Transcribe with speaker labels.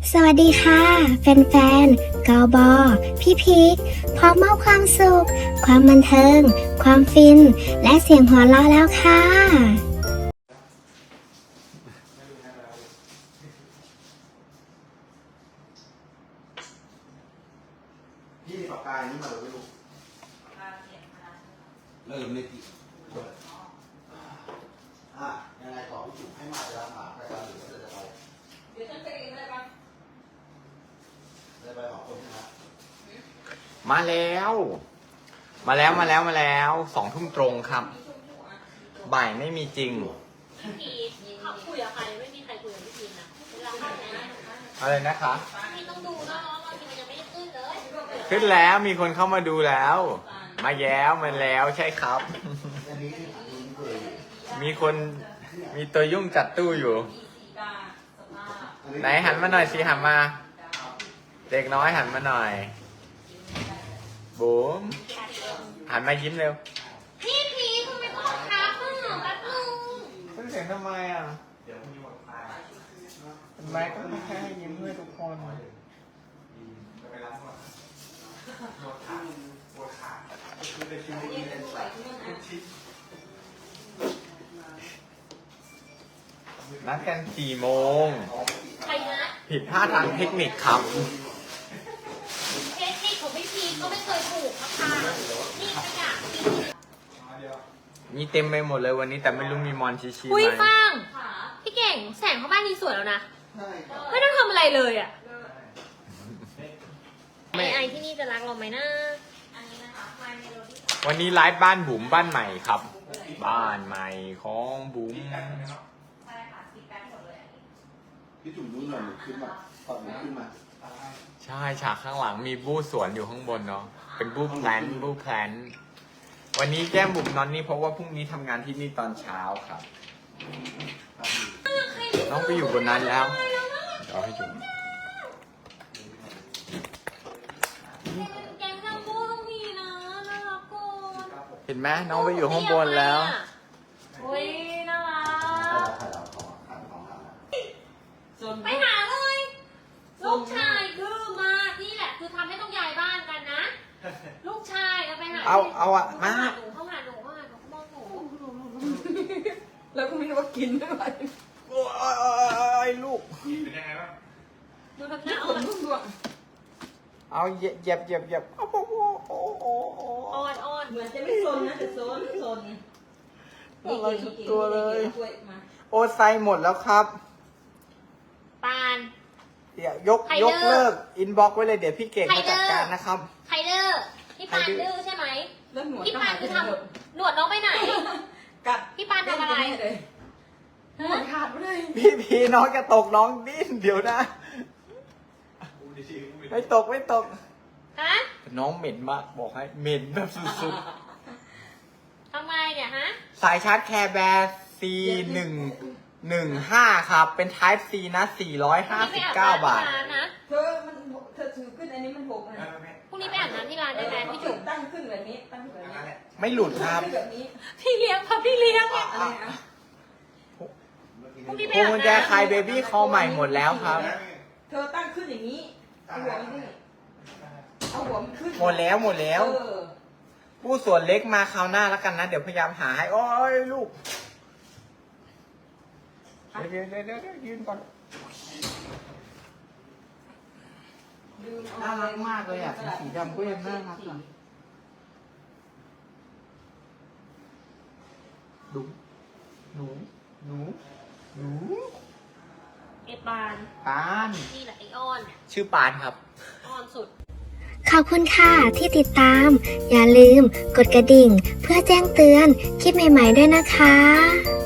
Speaker 1: สวัสดีค่ะแฟนๆกบพี่พีคพร้อมมอบความสุขความบันเทิงความฟินและเสียงหัวเราะแล้วค่ะ
Speaker 2: พี่ปากกานี่มาเลยไม่รู้เริ่มเลยพี่ยังไงต่อพี่จุ๋มให้มาเวลาถามรายการหรือจะไปเดี๋ยวฉันไปเองได้ปะได้ไปของคนใช่ไหม
Speaker 3: มาแล้ว2 ทุ่มตรงครับบ่ายไม่มีจริง
Speaker 4: พี่พีเขาคุยกับใครไม่มีใครคุยกับพี่พีนะเวลาเข้าไหน
Speaker 3: อะไรนะคะ
Speaker 4: พี่ต้องดูนะว่าทีมันยังไม่ได้ขึ้นเลย
Speaker 3: ขึ้นแล้วมีคนเข้ามาดูแล้ว มาแย้วมันแล้วใช่ครับ
Speaker 2: อันนี้เคย
Speaker 3: มีตัวยุ่งจัดตู้อยู่ไหนหันมาหน่อยสิหันมา เด็กน้อยหันมาหน่อยบุ๋มหันมายิ้มเร็ว
Speaker 4: พี่พีทำไมต้องทักอ่ะแป๊บนึง
Speaker 3: ขึ้นเสียงทำไมอ่ะเดี๋ยวพรุ่งนี้วันตายทำไมก็ไม่แค่ให้ยิ้มด้วยทุกคนไปล้างก่อนปวดขาคือในชีวิตนี้เป็นสัตว์นัดกัน4 โมง
Speaker 4: ใครนะ
Speaker 3: ผิดพลาดทางเทคนิคครับ
Speaker 4: เทคนิคของพี่พีทก็ไม่เคยถูกนะคะนี่ขยะ
Speaker 3: มีเต็มไปหมดเลยวันนี้แต่ไม่รู้มีมอนชิชิไห
Speaker 4: อุ้ย
Speaker 3: ม
Speaker 4: ฟังพี่เก่งแสงเข้าบ้านนี้สวยแล้วนะไม่ต้องทำอะไรเลยอ่ะไอที่นี่จะรักเราไหมนะอันนี้นะคะ My Melody
Speaker 3: วันนี้ไลฟ์บ้านบุ๋มบ้านใหม่ครับ บ้านใหม่ของบุ๋ม
Speaker 4: ใช่ค่ะสีแป๊บหมดเลย
Speaker 2: พี่จุ๋มรู้หน่อยขึ้นมาตอนขึ้นมา
Speaker 3: ใช่ฉากข้างหลังมีบู้สวนอยู่ข้างบนเนาะเป็นบู้แพลนวันนี้แก้มบุ๋มนอนนี่เพราะว่าพรุ่งนี้ทำงานที่นี่ตอนเช้าครับน้องไปอยู่บนนั้นแล้วเอาให้จุ๋ม
Speaker 4: แกงซัมโบ้ต้องมีนะน่ารักก่อน
Speaker 3: เห็นไหมน้องไปอยู่ข้างบนแล้ว
Speaker 4: โอ้ยน่ารัก
Speaker 2: ถ่ายเอาของถ่ายของ
Speaker 4: ไปหาเลยลูกชายคือมานี่แหละคือทำให้ต้องย้ายบ้านกันนะ ลูกชายเอาไปหา
Speaker 3: เอาอะมา
Speaker 4: เข้าหาหนูมองหนู
Speaker 5: แล้วก็ไม่รู้ว่ากินด้วย
Speaker 3: โอ้ยลูก
Speaker 4: ดูทำหน้า
Speaker 5: ข
Speaker 4: อ่อน น
Speaker 5: ทุกดวง
Speaker 3: เอาเหยียบโอ้โห
Speaker 4: อ่อน
Speaker 5: เหมือนจะไม่โซนนะแต่โซน
Speaker 3: อะไรทุกตัวเลย
Speaker 5: ถ้วยมา
Speaker 3: โอ้ไซหมดแล้วครับ
Speaker 4: ปาน
Speaker 3: เดี๋ยวยก
Speaker 4: ไฮเดอร์
Speaker 3: เลิกอินบ็อกไว้เลยเดี๋ยวพี่เก่ง
Speaker 4: ไฮ
Speaker 3: มา
Speaker 4: เดอ
Speaker 3: จัด
Speaker 4: ร์
Speaker 3: การนะครับ
Speaker 4: ไฮเดอร์พี่ปานดื้อใช่ไหม
Speaker 5: แล้วหนวด
Speaker 4: พี่
Speaker 5: ก็
Speaker 4: ปา
Speaker 5: หาน ย
Speaker 4: คือ
Speaker 5: ไป
Speaker 4: ท
Speaker 5: หมด
Speaker 4: ำหนวดน้องไปไหน
Speaker 5: กัด
Speaker 4: พี่ปานทำอะไร
Speaker 5: หนวดขาดไปเลย
Speaker 3: พี่น้องจะตกน้องดิ้นเดี๋ยวนะไม่ตก
Speaker 4: ฮะ
Speaker 3: น้องเหม็นมากบอกให้เหม็นแบบสุด
Speaker 4: ทำไมเนี่ยฮะ
Speaker 3: ๆ สายชาร์จแคร์แบร์ C115 ครับ เป็น Type C นะ 459 บาท
Speaker 4: นะ
Speaker 5: เธอถือขึ้นอันนี้มันหกนะ
Speaker 4: พรุ่งนี้ไปอาบน้ำที่ร้านได้ไหมพี่จุ๋ม
Speaker 5: ตั้งขึ้นแบบนี้ตั้งขึ้นแบบนี้
Speaker 3: ไม่หลุดครับ
Speaker 5: ตั้งขึ้นแบบนี้
Speaker 4: พี่เลี้ยงค่ะพี่เลี้ยง
Speaker 5: อะไรนะ
Speaker 4: พรุ่งนี้ไป
Speaker 3: พวง
Speaker 4: อาบ
Speaker 3: กุญแจ
Speaker 4: น้ำ
Speaker 3: คายเบบี้คอใหม่หมดแล้วครับ
Speaker 5: เธอตั้งขึ้นอย่างนี้เอาหัวมันขึ้นเอาหัวมันขึ้น
Speaker 3: หมดแล้ว ผู้ส่วนเล็กมาคราวหน้าแล้วกันนะ เดี๋ยวพยายามหาให้ โอ้ยลูก เดี๋ยวยืนก่อน น่ารักมากเลยอ่ะสีดำก็ยังน่ารักอ่ะดูหนู
Speaker 4: ไอ้ปาน
Speaker 3: ปาน
Speaker 4: นี่แหละไอ้อ้อนเนี่ย
Speaker 3: ชื่อปานครับ
Speaker 4: อ้อนสุด
Speaker 1: ขอบคุณค่ะที่ติดตาม อย่าลืมกดกระดิ่ง เพื่อแจ้งเตือนคลิปใหม่ๆด้วยนะคะ